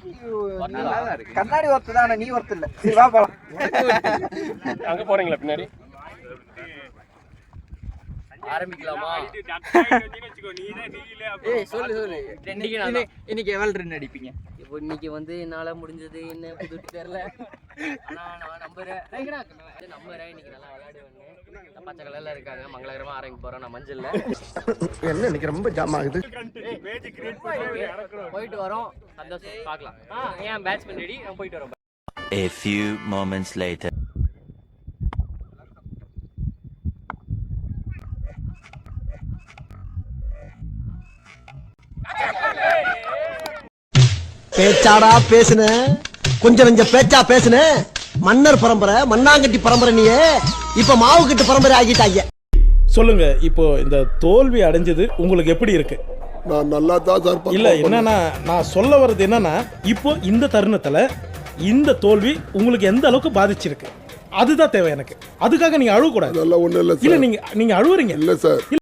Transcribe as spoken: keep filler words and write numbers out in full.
கண்ணாடி ஒர்த்து தான், நீ ஒர்த்து இல்ல. சரி வா போலாம். அங்க போறீங்களா பின்னாடி? ஆரம்பிக்கலாமா? ஏய் சொல்லு சொல்லு. இன்னைக்கு எவ்வளவு ரன் அடிப்பீங்க? இப்போ இன்னைக்கு வந்து என்னால முடிஞ்சது என்ன புது தெரியல. ஆனா நான் நம்புறேன். நம்புறேன் இன்னைக்கு நல்லா விளையாடுவேன்னு. பச்சை கலர்ல இருக்காங்க. மங்களகரமா ஆரம்பிக்க போறோம். நான் மஞ்சள்ல. என்ன இன்னைக்கு ரொம்ப ஜாம் ஆகுது. போயிட்டு வரோம். சந்தோஷம் பார்க்கலாம். ஆ ஏன் பேட்ஸ்மேன் ரெடி? நான் போயிட்டு வரோம். A few moments later. பேச்சாடா பேசுன, கொஞ்சம் நெஞ்ச பேச்சா பேசுன. மன்னர் பரம்பரை, மண்ணாங்கட்டி பரம்பரை, நீயே இப்ப மாவு கட்டு பரம்பரை ஆகிட்டாங்க. சொல்லுங்க, இப்போ இந்த தோல்வி அடைஞ்சது உங்களுக்கு எப்படி இருக்கு? நான் நல்லா தான் சார். இல்ல என்னன்னா, நான் சொல்ல வர்றது என்னன்னா, இப்போ இந்த தருணத்துல இந்த தோல்வி உங்களுக்கு எந்த அளவுக்கு பாதிச்சிருக்கு அதுதான் தேவை எனக்கு. அதுக்காக நீங்க அழுவ கூடாது. அதெல்லாம் ஒண்ணு இல்ல. இல்ல நீங்க நீங்க அழுவுறீங்க. இல்ல சார்.